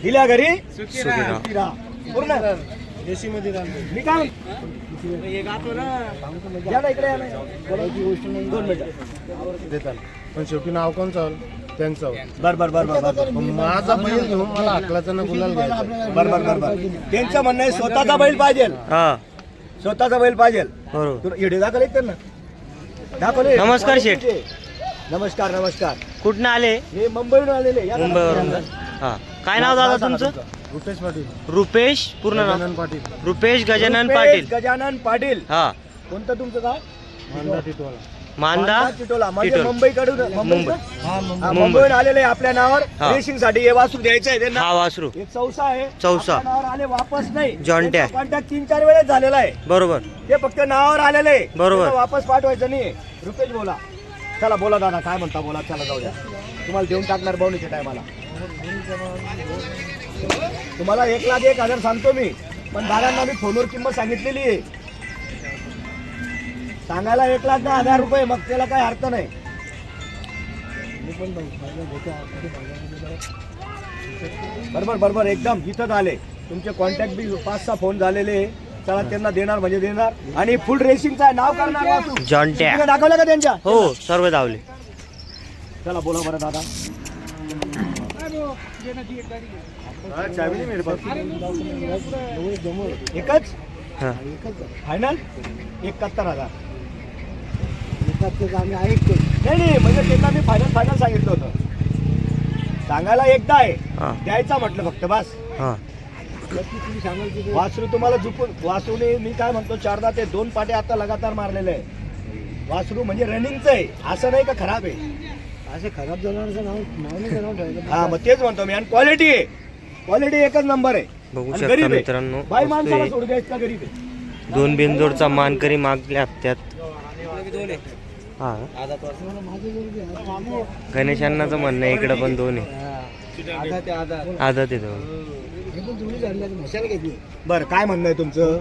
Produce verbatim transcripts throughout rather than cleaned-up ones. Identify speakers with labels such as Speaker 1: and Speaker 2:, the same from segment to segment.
Speaker 1: दिल्या घरी
Speaker 2: सुखी राहा.
Speaker 1: सुखी राहा. पूर्ण
Speaker 2: देशी मध्ये
Speaker 1: मी काय या ना इकडे या ना. बोलायची गोष्ट नाही. दोन मिनिटं
Speaker 2: देतात पण शेवटी नाव कोण चाल त्यांचं.
Speaker 1: बर बर बर बर बर
Speaker 2: माझा बैल घेऊन मला अकलाचा ना गुलाल घ्यायचा.
Speaker 1: बर बर बर बर त्यांचं म्हणणं आहे स्वतःचा बैल पाहिजे.
Speaker 3: हा
Speaker 1: स्वतःचा बैल पाहिजे.
Speaker 3: बरोबर.
Speaker 1: तुला इडे दाखवले त्यांना दाखवले.
Speaker 3: नमस्कार शेठ.
Speaker 1: नमस्कार नमस्कार.
Speaker 3: कुठनं आले?
Speaker 1: हे मुंबईहून आलेले. या ना.
Speaker 3: मुंबईवरून. हा काय नाव दादा तुमचं?
Speaker 2: रुपेश पाटील.
Speaker 3: रुपेश पूर्ण नाव?
Speaker 2: गजानन पाटील.
Speaker 3: रुपेश गजानन
Speaker 1: रुपेश
Speaker 3: पाटील.
Speaker 1: गजानन पाटील.
Speaker 3: हा
Speaker 1: कोणतं तुमचं गाव?
Speaker 2: मांडा टिटवाला.
Speaker 3: मांदा
Speaker 1: चिटोला. म्हणजे
Speaker 3: टिटोला.
Speaker 1: मुंबईकडून
Speaker 3: मुंबई.
Speaker 1: मुंबई
Speaker 2: हा मुंबई.
Speaker 1: हा, मुंबईहून आलेले आहे आपल्या नावावर
Speaker 3: हा.
Speaker 1: रेसिंग साठी हे वासरू द्यायचं आहे त्यांना.
Speaker 3: हा वासरू
Speaker 1: हे चौसा आहे.
Speaker 3: चौसा.
Speaker 1: आपल्या नावावर आले वापस नाही.
Speaker 3: जॉन्ट्या.
Speaker 1: कॉन्टॅक्ट तीन चार वेळेस झालेला आहे.
Speaker 3: बरोबर.
Speaker 1: ते फक्त नावावर आलेले आहे.
Speaker 3: बरोबर.
Speaker 1: त्यांना वापस पाठवायचं नाही. रुपेश बोला. चला बोला दादा काय म्हणता बोला. चला जाऊ द्या. तुम्हाला देऊन टाकणार बहुणीच्या टायमाला. तुम्हाला एक लाख एक हजार सांगतो मी. पण दादांना मी फोनवर किंमत सांगितलेली आहे. सांगायला एक लाख दहा हजार रुपये. मग त्याला काही अर्थ नाही. बरोबर बरोबर एकदम इथंच आले. तुमचे कॉन्टॅक्ट बी पाच सहा फोन झालेले आहे. चला त्यांना देणार म्हणजे देणार. आणि फुल रेसिंगचा आहे. नाव करणार वासू.
Speaker 3: जॉन्ट्या.
Speaker 1: तुम्ही दाखवलं का त्यांच्या?
Speaker 3: हो सर्व धावले.
Speaker 1: चला बोला बरं दादा. हा, चावी नाही मेरे पास. एकच
Speaker 3: हा
Speaker 1: फायनल एकाहत्तर हजार. नाही नाही म्हणजे त्यांना मी फायनल फायनल सांगितलं होतं. सांगायला एकदा आहे.
Speaker 3: हा
Speaker 1: द्यायचा म्हटलं फक्त बस.
Speaker 3: हा
Speaker 1: वासरू तुम्हाला झुकून वासरूने मी काय म्हणतो चारदा ते दोन पाटे आता लगातार मारलेले आहे. वासरू म्हणजे रनिंगचं आहे. असं नाही का खराब आहे.
Speaker 2: असे खराब जनावरांचं नाव नाव नाव ठेवायचं.
Speaker 1: हा मग तेच म्हणतो मी. आणि क्वालिटी आहे. क्वालिटी एकच नंबर आहे.
Speaker 3: बघू
Speaker 1: आणि
Speaker 3: शकता
Speaker 1: गरीब आहे.
Speaker 3: मित्रांनो.
Speaker 1: बाई
Speaker 3: वस्तू
Speaker 1: माणसाला
Speaker 3: आहे.
Speaker 1: सोडू द्या इतका गरीब आहे.
Speaker 3: दोन बिनजोडचा मानकरी मागल्या हप्त्यात. हा गणेश अण्णाचं म्हणणं आहे इकडं पण दोन आहे. आदत आहे दोन.
Speaker 1: बरं काय म्हणणं आहे तुमचं?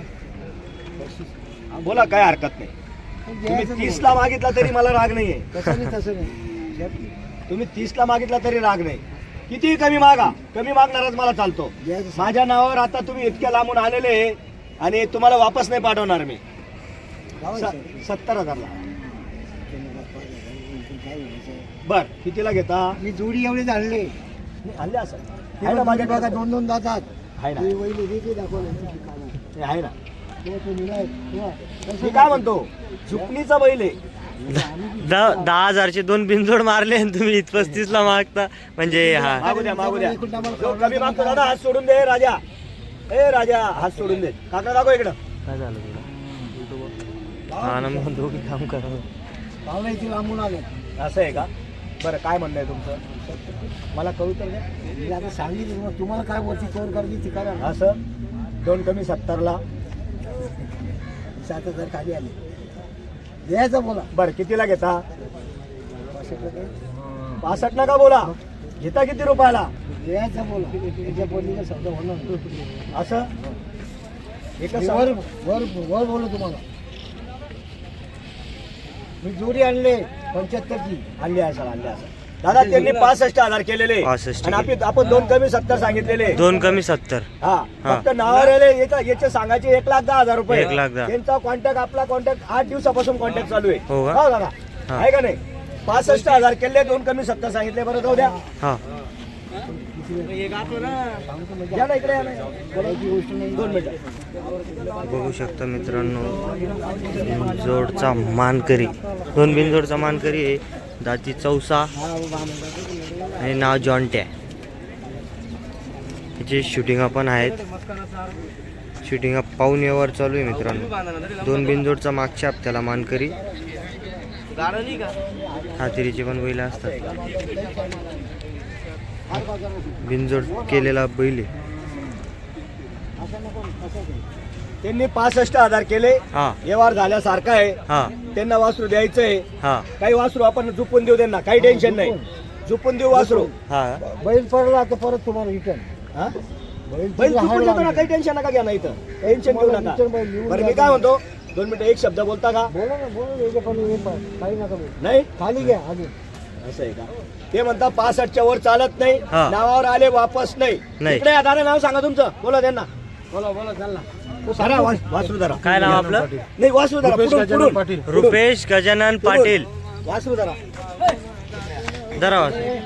Speaker 1: बोला काय हरकत नाही. तुम्ही तीस ला मागितला तरी मला राग नाहीये. तुम्ही तीस ला मागितला तरी राग नाही. किती कमी मागा. कमी मागणारच मला चालतो. माझ्या नावावर आता तुम्ही इतक्या लांबून आलेले आणि तुम्हाला वापस नाही पाठवणार मी. स- सत्तर हजारला. बर कितीला घेता?
Speaker 2: मी जोडी एवढे झाले.
Speaker 1: आणले असं आहे ना माझ्या
Speaker 2: बघा दोन दोन जातात.
Speaker 1: आहे ना.
Speaker 2: हे वैली हे ते दाखवलं.
Speaker 1: हे आहे ना.
Speaker 2: तो तो निघाय.
Speaker 1: मी काय म्हणतो झुकणीचा बैल आहे.
Speaker 3: दहा दहा हजारचे दोन बिनजोड मारले आणि तुम्ही पस्तीस ला मागता म्हणजे हा
Speaker 1: मागू द्या मागू द्या. जो कमी मागतो दादा हात सोडून दे राजा. ए राजा हात सोडून दे. काका दाखव इकडं.
Speaker 3: काय झालं तुला? हा ना मग दोघी काम करा.
Speaker 2: पाहुणे इथे लांबून आले.
Speaker 1: असं आहे का? बरं काय म्हणणं आहे तुमचं मला कळू तर द्या.
Speaker 2: मी आता सांगितलं मग तुम्हाला काय वरती कवर करायची ती करा.
Speaker 1: असं दोन कमी सत्तरला.
Speaker 2: सात हजार खाली आले. द्यायचं बोला.
Speaker 1: बरं कितीला घेता? पासष्ट नका बोला. घेता किती रुपयाला?
Speaker 2: द्यायचं बोला. त्याच्या बोलीचा शब्द होणार.
Speaker 1: असं एकच
Speaker 2: वर वर वर बोलू तुम्हाला. मी जोडी आणले पंच्याहत्तरची.
Speaker 1: आणली असेल आणली असेल. दादा त्यांनी पासष्ट हजार केलेले
Speaker 3: पासष्ट
Speaker 1: आणि आपण आपण दोन कमी सत्तर सांगितलेले.
Speaker 3: दोन कमी सत्तर.
Speaker 1: हा
Speaker 3: हा.
Speaker 1: फक्त नावावर आले याचा- याचे सांगायचे एक लाख दहा हजार रुपये.
Speaker 3: एक लाख दहा.
Speaker 1: त्यांचा कॉन्टॅक्ट आपला कॉन्टॅक्ट आठ दिवसापासून कॉन्टॅक्ट चालू आहे.
Speaker 3: हो का?
Speaker 1: हो दादा
Speaker 3: हा.
Speaker 1: आहे का नाही? पासष्ट हजार केले दोन कमी सत्तर सांगितले. बरं जाऊ द्या.
Speaker 3: हा
Speaker 1: या ना इकडे या ना. बोलायची गोष्ट नाही. दोन मिनिटं.
Speaker 3: बघू शकता मित्रांनो बिनजोडचा मानकरी. दोन बिनजोडचा मानकरी आहे. दाती चौसा आणि नाव जॉन्ट्या. याचे शूटिंग पण आहेत. शूटिंग पाऊन यावर चालू आहे मित्रांनो. दोन बिनजोडचा मागच्या हप्त्याला मानकरी. हातिरीचे पण बैल असतात. बिनजोड केलेला बैल आहे.
Speaker 1: त्यांनी पासष्ट हजार केले.
Speaker 3: हा
Speaker 1: व्यवहार झाल्यासारखा आहे.
Speaker 3: हा
Speaker 1: त्यांना वासरू द्यायचंय.
Speaker 3: हा
Speaker 1: काही वासरू आपण झुपून देऊ त्यांना. काही टेन्शन नाही. झुपून देऊ वासरू.
Speaker 3: हा
Speaker 2: बैल पडला तर परत तुम्हाला रिटर्न.
Speaker 1: हा?
Speaker 2: बैल
Speaker 1: बैल झुपून देतो ना. काही टेन्शन नका घ्या ना. इथं टेन्शन घेऊ नका. बरं मी काय म्हणतो दोन मिनिटं एक शब्द बोलता का?
Speaker 2: बोला ना बोला. याच्या पण काही नका बोलू.
Speaker 1: नाही
Speaker 2: खाली घ्या अजून.
Speaker 1: असं आहे का? ते म्हणतात पासष्टच्या वर चालत नाही,
Speaker 3: हा.
Speaker 1: नावावर आले वापस नाही.
Speaker 3: नाही.
Speaker 1: इकडे या, दादा नाव सांगा तुमचं, बोला त्यांना.
Speaker 2: बोला बोला चाल ना.
Speaker 1: धरा, वास- वासरू धरा.
Speaker 3: काय नाव आपलं?
Speaker 1: नाही वासरू धरा, पुढून, पुढून. पुढून.
Speaker 3: रुपेश गजानन पाटील.
Speaker 1: वासरू धरा.
Speaker 3: धरा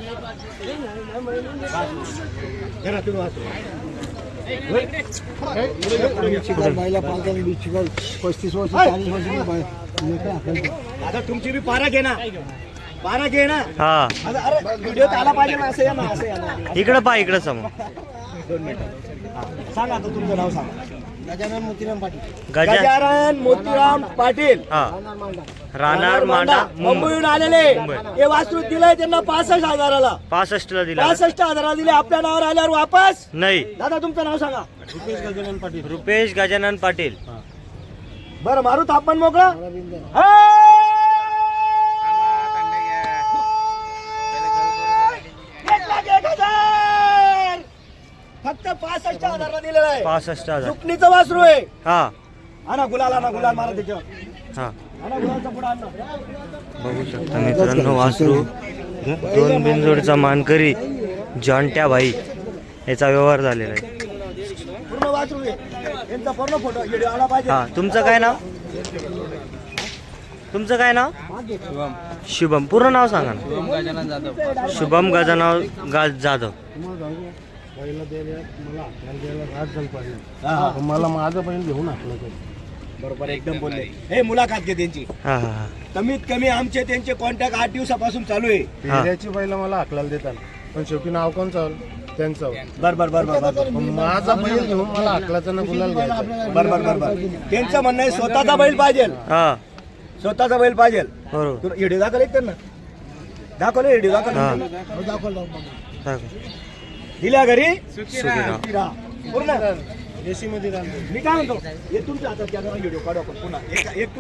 Speaker 1: धरा तुम्ही वासरू.
Speaker 2: चिकन बायला पालताना बी चिकन पस्तीस वर्ष चाळीस वर्ष मी बाय- लेकरं हाकलतो.
Speaker 1: आता तुमची बी पारा घे ना, पारा घे ना.
Speaker 3: हा
Speaker 1: आता अरे व्हिडिओ आला पाहिजे ना, असं या ना, असं या ना.
Speaker 3: इकडं पा इकडं समोर.
Speaker 1: दोन मिनिटं. हा. सांगा आता तुमचं नाव सांगा.
Speaker 2: गजानन मोतीराम पाटील.
Speaker 3: गजा
Speaker 1: गजानन मोतीराम पाटील,
Speaker 3: हा
Speaker 2: राहणार मांडा.
Speaker 3: राहणार मांडा मुंबई.
Speaker 1: मुंबईहून आलेले.
Speaker 3: मुंबई.
Speaker 1: हे वासरू दिलंय त्यांना पासष्ट हजाराला.
Speaker 3: पासष्ट ला दिला
Speaker 1: पासष्ट हजाराला दिले, आपल्या नावावर आल्यावर वापस.
Speaker 3: नाही.
Speaker 1: दादा तुमचं नाव सांगा.
Speaker 2: रुपेश गजानन पाटील.
Speaker 3: रुपेश गजानन पाटील.
Speaker 1: बरं मारू तापमान मोकळा.
Speaker 2: मला बिंदू.
Speaker 1: एक लाख एक हजार. फक्त पासष्ट हजाराला दिलेलं आहे.
Speaker 3: पासष्ट हजार.
Speaker 1: सुकणीचं वासरू आहे.
Speaker 3: हा
Speaker 1: हा ना, गुलाल ना, गुलाल मारा त्याच्यावर.
Speaker 3: हा
Speaker 1: हा ना, गुलालचा पुढं आण ना.
Speaker 3: बघू शकता मित्रांनो, वासरू दोन बिनजोडचा मानकरी जॉन्ट्या भाई याचा व्यवहार झालेला आहे.
Speaker 1: पूर्ण वासरू आहे. यांचा पूर्ण फोटो व्हिडिओ आला पाहिजे.
Speaker 3: हा तुमचं काय नाव? तुमचं काय नाव? शुभम. पूर्ण नाव सांगा ना. शुभम गजानन गा जाधव.
Speaker 2: तुम्हाला सांगू, पहिला द्यायला मला हाकलायला द्यायला रात झालं पाहिजे.
Speaker 1: हा, हा.
Speaker 2: पण मला माझं पण घेऊन हाकलं तर.
Speaker 1: बरोबर एकदम बोलले. हे मुलाखत घे त्यांची.
Speaker 3: हा हा हा
Speaker 1: कमीत कमी आमचे त्यांचे कॉन्टॅक्ट आठ दिवसापासून चालू आहे.
Speaker 2: पेऱ्याची बैला मला हाकलायला देतात, पण शेवटी नाव कोण चाल त्यांचं.
Speaker 1: बर बर बर बर बर
Speaker 2: पण माझा बैल घेऊन मला हाकलायचं ना गुलाल घ्यायचा.
Speaker 1: बर बर बर बर त्यांचं म्हणणं आहे स्वतःचा बैल पाहिजे,
Speaker 3: हा
Speaker 1: स्वतःचा बैल पाहिजे.
Speaker 3: बरोबर.
Speaker 1: तुला व्हिडिओ दाखवले त्यांना, दाखवले व्हिडिओ
Speaker 3: हा.
Speaker 1: दाखवले.
Speaker 2: दाखवलं
Speaker 3: दाखव.
Speaker 1: दिल्या घरी
Speaker 3: सुखी राहा.
Speaker 1: फिरा. पूर्ण
Speaker 2: एसी मध्ये राहतो.
Speaker 1: मी काय म्हणतो, हे तुमच्या हातात कॅमेरा व्हिडिओ काढू आपण पुन्हा एक एक